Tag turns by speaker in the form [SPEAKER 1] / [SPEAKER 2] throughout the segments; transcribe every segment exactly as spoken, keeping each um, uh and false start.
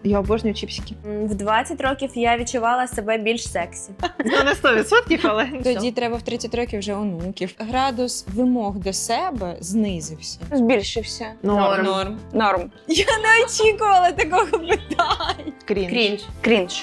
[SPEAKER 1] Я обожнюю чіпсики.
[SPEAKER 2] В двадцять років я відчувала себе більш сексі.
[SPEAKER 1] Ну, не сто відсотків, але...
[SPEAKER 3] Тоді треба в тридцять років вже онуків. Градус вимог до себе знизився.
[SPEAKER 4] Збільшився.
[SPEAKER 1] Норм.
[SPEAKER 3] Норм.
[SPEAKER 4] Норм.
[SPEAKER 3] Я не очікувала такого питання.
[SPEAKER 1] Крінж.
[SPEAKER 2] Крінж.
[SPEAKER 4] Крінж.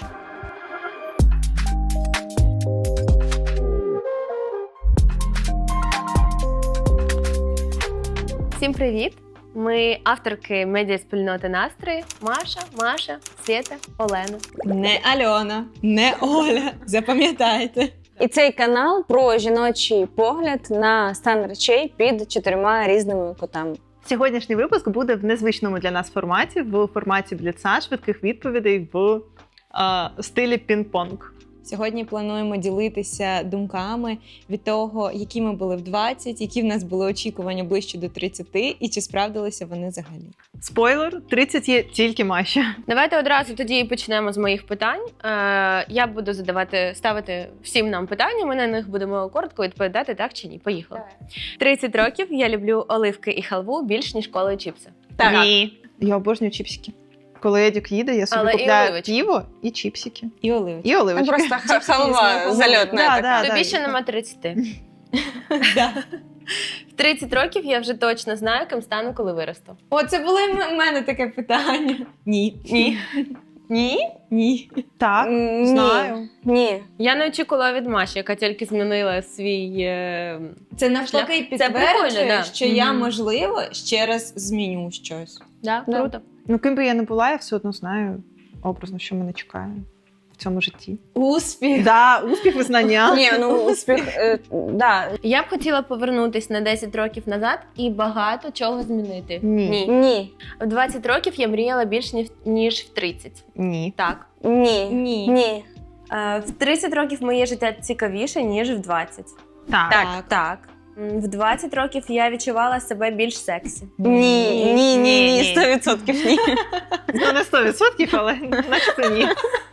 [SPEAKER 2] Всім привіт! Ми авторки медіаспільноти «Настрої» Маша, Маша, Свєта, Олена.
[SPEAKER 3] Не Альона, не Оля. Запам'ятайте.
[SPEAKER 4] І цей канал про жіночий погляд на стан речей під чотирма різними кутами.
[SPEAKER 1] Сьогоднішній випуск буде в незвичному для нас форматі, в форматі бліца, швидких відповідей в е, стилі пінг-понг.
[SPEAKER 3] Сьогодні плануємо ділитися думками від того, які ми були в двадцять, які в нас були очікування ближче до тридцяти, і чи справдилися вони взагалі.
[SPEAKER 1] Спойлер, тридцять є тільки Маші.
[SPEAKER 2] Давайте одразу тоді почнемо з моїх питань. Е, я буду задавати, ставити всім нам питання, ми на них будемо коротко відповідати, так чи ні. Поїхали. тридцять років я люблю оливки і халву більш, ніж кола і чіпси.
[SPEAKER 1] Так. Ні. Я обожнюю чіпсики. Коли Едік їде, я собі
[SPEAKER 2] Але і
[SPEAKER 1] купляю
[SPEAKER 2] оливочки.
[SPEAKER 1] піво і чіпсики.
[SPEAKER 3] І оливочки.
[SPEAKER 1] І оливочки.
[SPEAKER 4] Просто ха- халва зальотна
[SPEAKER 1] Да,
[SPEAKER 4] така.
[SPEAKER 1] да.
[SPEAKER 2] Тобі ще нема тридцяти.
[SPEAKER 3] Да.
[SPEAKER 2] В тридцять років я вже точно знаю, ким стану, коли виросту.
[SPEAKER 3] О, це було і в мене таке питання. Ні.
[SPEAKER 2] Ні. Ні?
[SPEAKER 3] Ні.
[SPEAKER 1] Так,
[SPEAKER 4] Ні.
[SPEAKER 1] знаю.
[SPEAKER 4] Ні.
[SPEAKER 2] Я не очікувала від Маші, яка тільки змінила свій... Е...
[SPEAKER 3] Це навпаки
[SPEAKER 2] Це прикольно,
[SPEAKER 3] підтверджує,
[SPEAKER 2] да.
[SPEAKER 3] що я,
[SPEAKER 2] Мгм.
[SPEAKER 3] можливо, ще раз зміню щось.
[SPEAKER 2] Да,
[SPEAKER 4] Да.
[SPEAKER 2] круто.
[SPEAKER 1] Ну, ким би я не була, я все одно знаю образно, що мене чекає в цьому житті.
[SPEAKER 3] Успіх.
[SPEAKER 1] Да, успіх, визнання.
[SPEAKER 4] Ні, ну успіх, е, да.
[SPEAKER 2] Я б хотіла повернутись на десять років назад і багато чого змінити.
[SPEAKER 1] Ні.
[SPEAKER 2] Ні.
[SPEAKER 4] Ні.
[SPEAKER 2] В двадцять років я мріяла більш ніж- ніж в тридцять.
[SPEAKER 1] Ні.
[SPEAKER 2] Так.
[SPEAKER 4] Ні.
[SPEAKER 3] Ні.
[SPEAKER 4] Ні.
[SPEAKER 2] Е, в тридцять років моє життя цікавіше, ніж в двадцять.
[SPEAKER 1] Так.
[SPEAKER 2] Так, так. М, В двадцять років я відчувала себе більш сексі.
[SPEAKER 4] Ні. Ні. Ні. Ні. Сто відсотків ні.
[SPEAKER 1] Ну, не сто відсотків, але наче ні.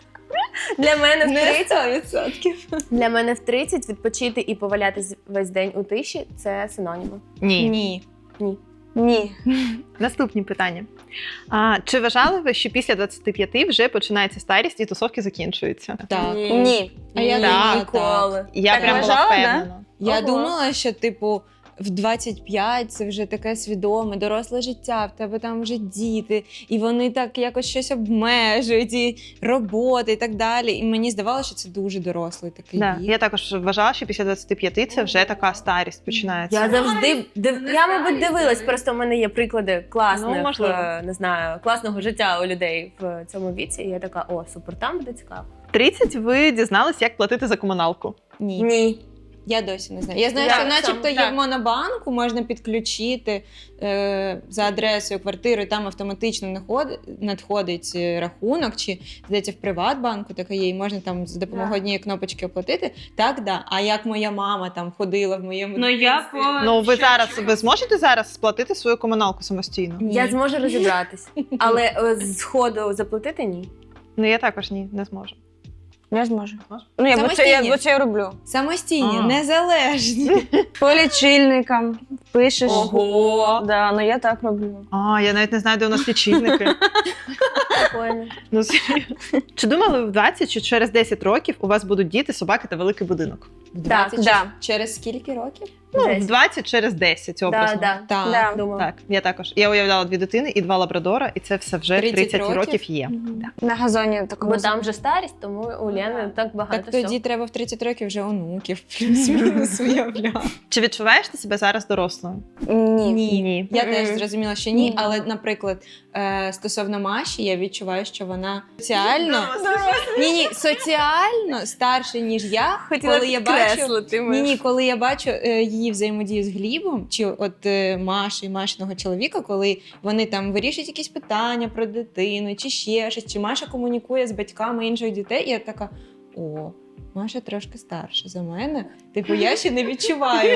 [SPEAKER 2] Для мене в
[SPEAKER 3] Не
[SPEAKER 2] тридцять,
[SPEAKER 3] сто відсотків.
[SPEAKER 2] для мене в тридцять відпочити і повалятись весь день у тиші – це синоніми.
[SPEAKER 1] Ні.
[SPEAKER 3] Ні.
[SPEAKER 2] Ні.
[SPEAKER 4] Ні.
[SPEAKER 1] Наступні питання. А, чи вважали ви, що після двадцяти п'яти вже починається старість і тусовки закінчуються?
[SPEAKER 3] Так.
[SPEAKER 4] Ні.
[SPEAKER 3] А я
[SPEAKER 1] Так.
[SPEAKER 3] думала,
[SPEAKER 2] Ніколи.
[SPEAKER 1] Я
[SPEAKER 4] Так
[SPEAKER 1] прям була
[SPEAKER 4] вважала, да?
[SPEAKER 1] впевнена.
[SPEAKER 3] Я
[SPEAKER 2] Ого.
[SPEAKER 3] думала, що, типу, в двадцять п'ять це вже таке свідоме, доросле життя, в тебе там вже діти, і вони так якось щось обмежують, і роботи, і так далі. І мені здавалося, що це дуже дорослий такий
[SPEAKER 1] Да.
[SPEAKER 3] вік.
[SPEAKER 1] Я також вважала, що після двадцяти п'яти це вже така старість починається.
[SPEAKER 2] Я завжди див... я, мабуть, дивилась. Просто в мене є приклади класних,
[SPEAKER 1] Ну, можливо.
[SPEAKER 2] е, не знаю, класного життя у людей в цьому віці. І я така, о, супер, там буде цікаво.
[SPEAKER 1] тридцять ви дізналися, як платити за комуналку.
[SPEAKER 3] Ні.
[SPEAKER 2] Ні.
[SPEAKER 3] Я досі не знаю. Я знаю,
[SPEAKER 2] Я
[SPEAKER 3] що
[SPEAKER 2] сам,
[SPEAKER 3] начебто є
[SPEAKER 2] так.
[SPEAKER 3] в Монобанку, можна підключити е, за адресою квартири, там автоматично наход- надходить е, рахунок, чи, здається, в Приватбанку таке є, і можна там за допомогою
[SPEAKER 2] Да.
[SPEAKER 3] однієї кнопочки оплатити. Так, да. А як моя мама там ходила в моєму
[SPEAKER 2] Ну, я
[SPEAKER 3] дитинстві?
[SPEAKER 2] по-
[SPEAKER 1] Ну, ви зараз ви зможете зараз сплатити свою комуналку самостійно?
[SPEAKER 3] Ні.
[SPEAKER 2] Я зможу розібратись. Але е, з ходу заплатити ні.
[SPEAKER 1] Ну, я також ні, не зможу.
[SPEAKER 4] Я зможу.
[SPEAKER 1] Зможеш?
[SPEAKER 4] Ну, я бо це, я,
[SPEAKER 3] Самостійні.
[SPEAKER 4] бо це я роблю.
[SPEAKER 3] Самостійні,
[SPEAKER 1] А.
[SPEAKER 3] незалежні.
[SPEAKER 4] По лічильникам пишеш.
[SPEAKER 3] Ого!
[SPEAKER 4] Да, ну я так роблю.
[SPEAKER 1] А, я навіть не знаю, де у нас лічильники.
[SPEAKER 2] Прикольно.
[SPEAKER 1] Ну, серйозно. Чи думали ви в двадцять, що через десять років у вас будуть діти, собаки та великий будинок?
[SPEAKER 3] В двадцять
[SPEAKER 4] да.
[SPEAKER 3] через скільки років?
[SPEAKER 1] Ну,
[SPEAKER 2] Десять.
[SPEAKER 1] в двадцять через десять
[SPEAKER 2] Да,
[SPEAKER 1] образно.
[SPEAKER 2] да.
[SPEAKER 3] Так.
[SPEAKER 4] Да.
[SPEAKER 2] Думала.
[SPEAKER 1] Так, я також. Я уявляла дві дитини і два лабрадора, і це все вже в
[SPEAKER 3] тридцять
[SPEAKER 1] тридцять
[SPEAKER 3] років?
[SPEAKER 1] років є.
[SPEAKER 3] Мгм.
[SPEAKER 4] На газоні такому.
[SPEAKER 2] Бо там вже старість, тому у Лени так багато
[SPEAKER 3] Так тоді
[SPEAKER 2] всього.
[SPEAKER 3] треба в тридцять років вже онуків плюс-мінус уявляти.
[SPEAKER 1] Чи відчуваєш ти себе зараз дорослою?
[SPEAKER 4] Ні.
[SPEAKER 3] Ні.
[SPEAKER 1] Ні.
[SPEAKER 3] Я
[SPEAKER 2] Мгм.
[SPEAKER 3] теж зрозуміла, що ні,
[SPEAKER 2] Ні.
[SPEAKER 3] але, наприклад, е, стосовно Маші, я відчуваю, що вона соціально ні, ні, соціально старше, ніж я.
[SPEAKER 2] Хотіла
[SPEAKER 3] коли я бачу
[SPEAKER 2] підкреслити.
[SPEAKER 3] ні, ні, коли я бачу е, її взаємодію з Глібом, чи от е, Маші, Машиного чоловіка, коли вони там вирішують якісь питання про дитину, чи ще щось, чи Маша комунікує з батьками інших дітей, і я така: о, Маша трошки старша за мене. Типу, я ще не відчуваю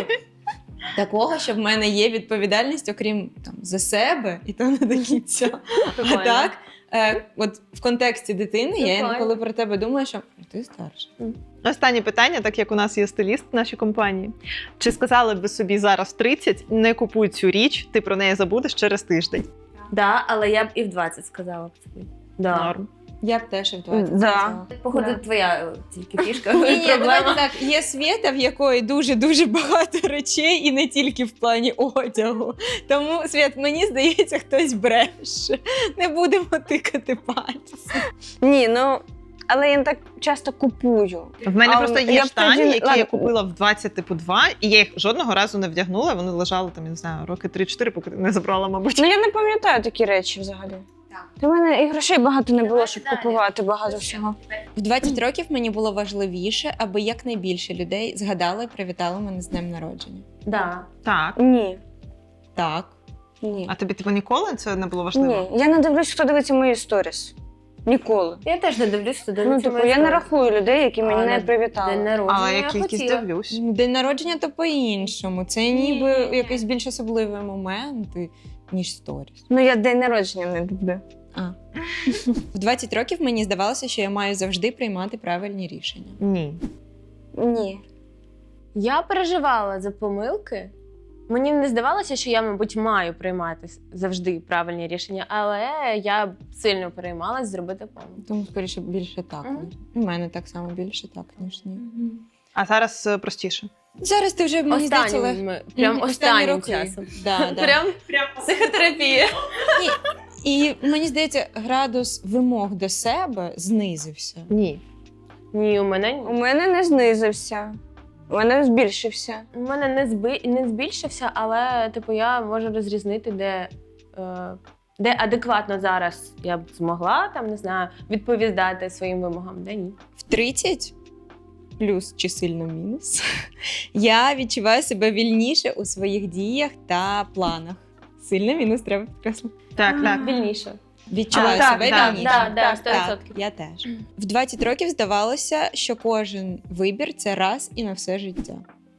[SPEAKER 3] такого, що в мене є відповідальність, окрім там за себе, і то не до кінця. А
[SPEAKER 2] Прикольно.
[SPEAKER 3] так, е, от в контексті дитини, я
[SPEAKER 2] Прикольно.
[SPEAKER 3] інколи про тебе думаю, що ти старша.
[SPEAKER 1] Останнє питання, так як у нас є стиліст в нашій компанії. Чи сказали б ви собі зараз в тридцять, не купуй цю річ, ти про неї забудеш через тиждень?
[SPEAKER 2] Да, але я б і в двадцять сказала б собі. Да.
[SPEAKER 1] Норм.
[SPEAKER 3] Я б теж і в двадцять.
[SPEAKER 4] Да.
[SPEAKER 3] сказала.
[SPEAKER 2] Походу,
[SPEAKER 4] Да.
[SPEAKER 2] твоя тільки фішка.
[SPEAKER 3] Ні, ні,
[SPEAKER 2] проблема.
[SPEAKER 3] давайте так. Є Свєта, в якої дуже-дуже багато речей, і не тільки в плані одягу. Тому, Свєт, мені здається, хтось бреше. Не будемо тикати пальцем.
[SPEAKER 4] Ні, ну, але я не так часто купую.
[SPEAKER 1] В мене
[SPEAKER 4] А,
[SPEAKER 1] просто
[SPEAKER 4] я
[SPEAKER 1] є
[SPEAKER 4] б
[SPEAKER 1] штані,
[SPEAKER 4] тоді-
[SPEAKER 1] які
[SPEAKER 4] ладно.
[SPEAKER 1] я купила в двадцять, типу, два, і я їх жодного разу не вдягнула, вони лежали там, я не знаю, роки три-чотири, поки не забрала, мабуть.
[SPEAKER 4] Ну, я не пам'ятаю такі речі взагалі. У мене і грошей багато не було, щоб купувати багато всього.
[SPEAKER 3] В двадцять років мені було важливіше, аби якнайбільше людей згадали і привітали мене з днем народження.
[SPEAKER 2] Да.
[SPEAKER 1] Так.
[SPEAKER 4] Ні.
[SPEAKER 3] Так.
[SPEAKER 4] Ні.
[SPEAKER 1] А тобі, типу, ніколи це не було важливо?
[SPEAKER 4] Ні. Я не дивлюсь, хто дивиться мої сторіс. Ніколи.
[SPEAKER 2] Я теж не дивлюсь, що
[SPEAKER 4] Ну,
[SPEAKER 2] дивиться
[SPEAKER 4] типу,
[SPEAKER 2] мої
[SPEAKER 4] я не
[SPEAKER 2] сторіс.
[SPEAKER 4] рахую людей, які
[SPEAKER 2] А
[SPEAKER 4] мене
[SPEAKER 2] на
[SPEAKER 4] не
[SPEAKER 2] День
[SPEAKER 4] привітали.
[SPEAKER 2] народження
[SPEAKER 1] Але я
[SPEAKER 2] я
[SPEAKER 1] кількість
[SPEAKER 2] хотіла.
[SPEAKER 1] дивлюсь.
[SPEAKER 3] День народження то по-іншому. Це ніби якийсь більш особливий момент, ніж сторіс.
[SPEAKER 4] Ну, я день народження не люблю.
[SPEAKER 3] А. В двадцять років мені здавалося, що я маю завжди приймати правильні рішення.
[SPEAKER 1] Ні.
[SPEAKER 4] Ні.
[SPEAKER 2] Я переживала за помилки. Мені не здавалося, що я, мабуть, маю приймати завжди правильні рішення, але я сильно переймалась зробити помилку.
[SPEAKER 3] Тому, скоріше, більше так.
[SPEAKER 2] Мгм.
[SPEAKER 3] У мене так само більше так, ніж ні.
[SPEAKER 1] А зараз е, простіше.
[SPEAKER 3] Зараз ти вже, мені здається, лег...
[SPEAKER 2] Останнім, прям
[SPEAKER 3] Мгм,
[SPEAKER 2] останнім
[SPEAKER 3] роки.
[SPEAKER 2] часом.
[SPEAKER 3] Да, да.
[SPEAKER 2] Прям, прям психотерапія.
[SPEAKER 3] І мені здається, градус вимог до себе знизився.
[SPEAKER 1] Ні.
[SPEAKER 2] Ні, у мене
[SPEAKER 4] У
[SPEAKER 2] ні.
[SPEAKER 4] мене не знизився. У мене збільшився.
[SPEAKER 2] У мене не, зби... не збільшився, але типу, я можу розрізнити, де, е... де адекватно зараз я б змогла там, не знаю, відповідати своїм вимогам, де ні.
[SPEAKER 3] В тридцять, плюс чи сильно мінус, я відчуваю себе вільніше у своїх діях та планах. Сильно мінус треба підкреслити.
[SPEAKER 1] Так, так.
[SPEAKER 2] Вільніше.
[SPEAKER 3] Відчуваю
[SPEAKER 1] А, так,
[SPEAKER 3] себе
[SPEAKER 1] так,
[SPEAKER 3] вільніше.
[SPEAKER 2] Да, да, сто
[SPEAKER 3] Так,
[SPEAKER 2] відсотків.
[SPEAKER 3] я теж. В двадцять років здавалося, що кожен вибір це раз і на все життя.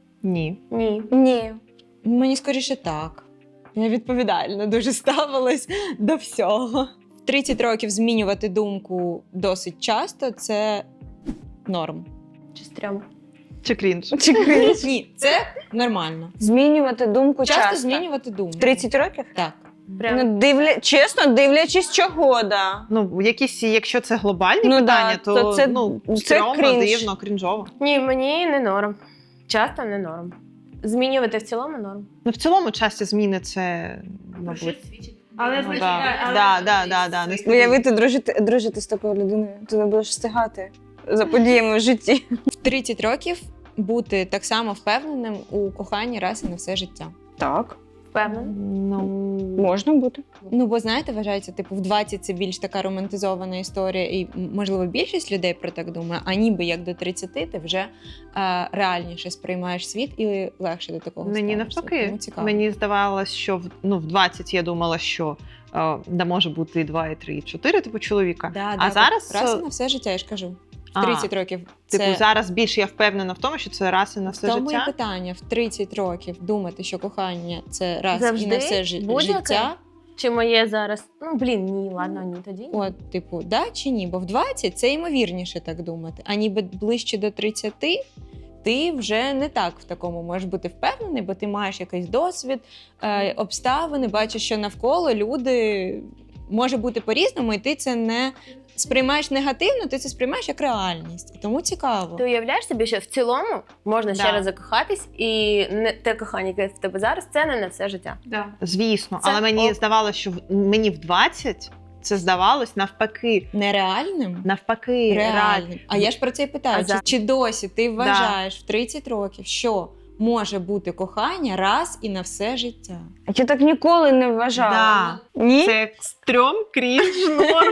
[SPEAKER 1] Ні.
[SPEAKER 2] Ні.
[SPEAKER 4] Ні.
[SPEAKER 3] Мені скоріше так. Я відповідально дуже ставилась до всього. В тридцять років змінювати думку досить часто це норм.
[SPEAKER 2] Чи стрьом.
[SPEAKER 1] Чи крінж?
[SPEAKER 4] Чи крінж?
[SPEAKER 3] Ні, це нормально.
[SPEAKER 4] Змінювати думку часто.
[SPEAKER 3] Часто змінювати думку.
[SPEAKER 4] тридцять років?
[SPEAKER 3] Так.
[SPEAKER 2] Прям.
[SPEAKER 4] Ну, дивля... Чесно, дивлячись чого, да.
[SPEAKER 1] Ну, якісь, якщо це глобальні
[SPEAKER 4] Ну,
[SPEAKER 1] питання,
[SPEAKER 4] да,
[SPEAKER 1] то,
[SPEAKER 4] то це-
[SPEAKER 1] ну,
[SPEAKER 4] це
[SPEAKER 1] стрьомно,
[SPEAKER 4] крінж.
[SPEAKER 1] дивно, крінжово.
[SPEAKER 2] Ні, мені не норм. Часто не норм. Змінювати в цілому норм.
[SPEAKER 1] Ну, в цілому часті зміни це, мабуть.
[SPEAKER 2] Але
[SPEAKER 1] Ну, да. Да, да, да, да, не
[SPEAKER 4] Уявити, дружити, дружити з такою людиною. Ти не будеш встигати за подіями в житті.
[SPEAKER 3] В тридцять років бути так само впевненим у коханні раз і на все життя.
[SPEAKER 4] Так.
[SPEAKER 2] Впевнена.
[SPEAKER 1] Ну,
[SPEAKER 4] Можна бути.
[SPEAKER 3] Ну, бо знаєте, вважається, типу, в двадцять це більш така романтизована історія, і м, можливо більшість людей про так думає, а ніби як до тридцяти ти вже е, реальніше сприймаєш світ і легше до такого
[SPEAKER 1] мені
[SPEAKER 3] ставишся.
[SPEAKER 1] навпаки.
[SPEAKER 3] Тому цікаво.
[SPEAKER 1] Мені здавалось, що в, ну, в двадцять я думала, що е, да, може бути і два, і три, і чотири, типу, чоловіка.
[SPEAKER 3] Да,
[SPEAKER 1] а
[SPEAKER 3] да,
[SPEAKER 1] зараз,
[SPEAKER 3] раз і
[SPEAKER 1] е,
[SPEAKER 3] на все життя, я ж кажу. В
[SPEAKER 1] А,
[SPEAKER 3] тридцять років це
[SPEAKER 1] Типу, зараз більше я впевнена в тому, що це раз і на все
[SPEAKER 3] в тому і
[SPEAKER 1] життя.
[SPEAKER 3] питання. В тридцять років думати, що кохання це раз і
[SPEAKER 2] Завжди?
[SPEAKER 3] на все жи-
[SPEAKER 2] Будь-яке?
[SPEAKER 3] життя.
[SPEAKER 2] Чи моє зараз? Ну, блін, ні, ладно, ні тоді.
[SPEAKER 3] От, типу, да чи ні? Бо в двадцять це ймовірніше так думати. А ніби ближче до тридцяти ти вже не так в такому можеш бути впевнений, бо ти маєш якийсь досвід, е, обставини, бачиш, що навколо люди може бути по-різному, і ти це не сприймаєш негативно, ти це сприймаєш як реальність. І тому цікаво.
[SPEAKER 2] Ти уявляєш собі, що в цілому можна
[SPEAKER 1] Да.
[SPEAKER 2] ще раз закохатись, і не те кохання, яке в тебе зараз, це не на все життя.
[SPEAKER 1] Звісно,
[SPEAKER 2] Це
[SPEAKER 1] але мені
[SPEAKER 2] ок.
[SPEAKER 1] здавалося, що в- мені в двадцять це здавалось навпаки.
[SPEAKER 3] Нереальним?
[SPEAKER 1] Навпаки, реально.
[SPEAKER 3] Реальним. А я ж про це і питаю.
[SPEAKER 2] А
[SPEAKER 3] Чи,
[SPEAKER 2] за-
[SPEAKER 3] чи досі ти вважаєш в тридцять років, що може бути кохання раз і на все життя?
[SPEAKER 4] А я так ніколи не вважала.
[SPEAKER 1] Да.
[SPEAKER 4] Ні?
[SPEAKER 1] Це як стрьом, крінж, норм.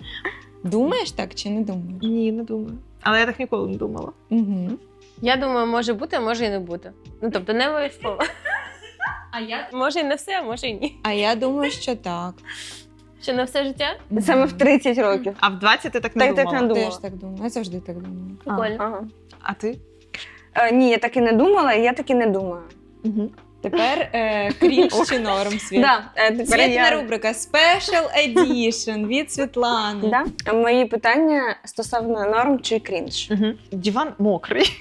[SPEAKER 3] Думаєш так чи не думаєш?
[SPEAKER 1] Ні, не думаю. Але я так ніколи не думала.
[SPEAKER 3] Угу.
[SPEAKER 2] Я думаю, може бути, а може і не бути. Ну, тобто, не обов'язково. А я? Може і не все, а може і ні.
[SPEAKER 3] А я думаю, що так.
[SPEAKER 2] Що на все життя?
[SPEAKER 4] Саме в тридцять років.
[SPEAKER 1] А в двадцять ти так не
[SPEAKER 4] Так, так
[SPEAKER 1] думала?
[SPEAKER 4] не
[SPEAKER 3] Я
[SPEAKER 4] думала.
[SPEAKER 3] теж так думаю. Я завжди так думаю.
[SPEAKER 2] Прикольно.
[SPEAKER 4] Ага.
[SPEAKER 1] А ти?
[SPEAKER 4] Е, ні, я так і не думала, і я так і не думаю.
[SPEAKER 1] Угу.
[SPEAKER 3] Тепер е, крінж чи норм світ.
[SPEAKER 4] Да, е, тепер
[SPEAKER 3] Світна
[SPEAKER 4] я...
[SPEAKER 3] рубрика Special Edition від Світлани.
[SPEAKER 4] Да? Мої питання стосовно норм чи крінж.
[SPEAKER 1] Угу. Диван мокрий.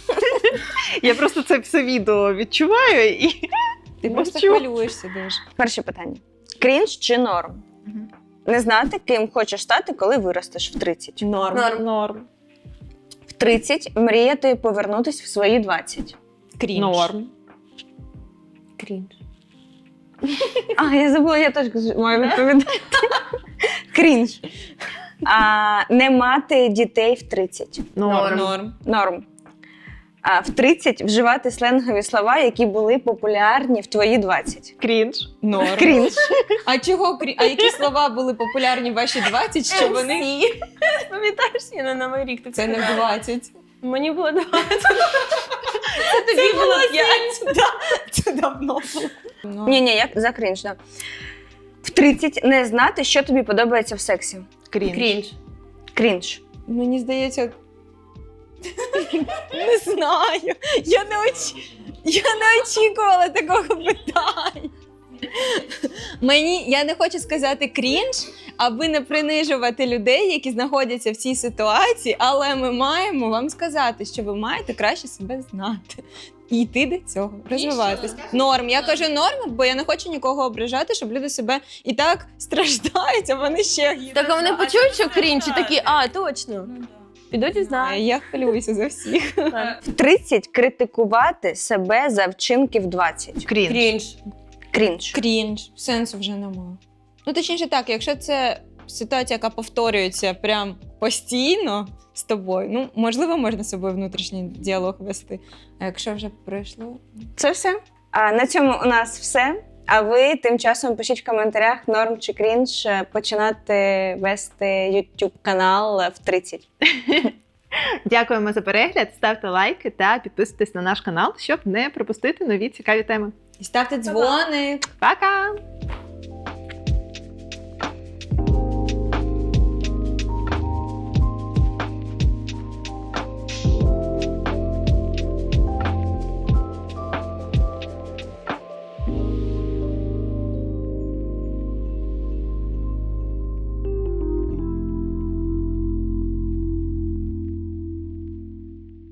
[SPEAKER 1] Я просто це все відео відчуваю і
[SPEAKER 3] Ти просто
[SPEAKER 1] мовчу.
[SPEAKER 3] хвилюєшся дуже.
[SPEAKER 4] Перше питання. Крінж чи норм? Не знати, ким хочеш стати, коли виростеш в тридцять.
[SPEAKER 3] Норм.
[SPEAKER 2] Норм.
[SPEAKER 1] Норм.
[SPEAKER 4] В тридцять мріяти повернутись в свої двадцять.
[SPEAKER 3] Крінж.
[SPEAKER 1] Норм.
[SPEAKER 2] Крінж.
[SPEAKER 4] А, я забула, я теж маю відповідати. Крінж. А, не мати дітей в тридцять.
[SPEAKER 1] Норм.
[SPEAKER 3] Норм.
[SPEAKER 4] Норм. А в тридцять вживати сленгові слова, які були популярні в твої двадцять.
[SPEAKER 1] Крінж.
[SPEAKER 3] Норм.
[SPEAKER 4] Крінж.
[SPEAKER 3] А чого крі... А які слова були популярні в ваші двадцять, що вони...
[SPEAKER 2] Пам'ятаєш, я на Новий рік ти
[SPEAKER 3] Це не в двадцять.
[SPEAKER 2] Мені було двадцять. Це тобі було п'ять.
[SPEAKER 3] Це давно було.
[SPEAKER 4] Ні, ні, як за крінж, да. В тридцять не знати, що тобі подобається в сексі.
[SPEAKER 1] Крінж.
[SPEAKER 2] Крінж.
[SPEAKER 4] Крінж.
[SPEAKER 3] Мені здається... Не знаю. Я не, оч... я не очікувала такого питання. Мені, я не хочу сказати крінж, аби не принижувати людей, які знаходяться в цій ситуації, але ми маємо вам сказати, що ви маєте краще себе знати. І йти до цього, розвиватись. Норм. Я кажу норм, бо я не хочу нікого ображати, щоб люди себе і так страждають, а вони ще гірше.
[SPEAKER 2] Так а вони почують, що крінж, і такі, а, точно. Підуть і знають.
[SPEAKER 3] Я хвилююся за всіх.
[SPEAKER 4] В тридцять критикувати себе за вчинки в двадцять.
[SPEAKER 1] Крінж.
[SPEAKER 2] Крінж.
[SPEAKER 4] Крінж.
[SPEAKER 3] Крінж. Сенсу вже немає. Ну, точніше так, якщо це ситуація, яка повторюється прям постійно з тобою, ну, можливо, можна з собою внутрішній діалог вести. А якщо вже пройшло...
[SPEAKER 4] Це все. А на цьому у нас все. А ви тим часом пишіть в коментарях, норм чи крінж починати вести YouTube канал в тридцять.
[SPEAKER 1] Дякуємо за перегляд, ставте лайки та підписуйтесь на наш канал, щоб не пропустити нові цікаві теми.
[SPEAKER 3] І ставте дзвоник.
[SPEAKER 1] Пока!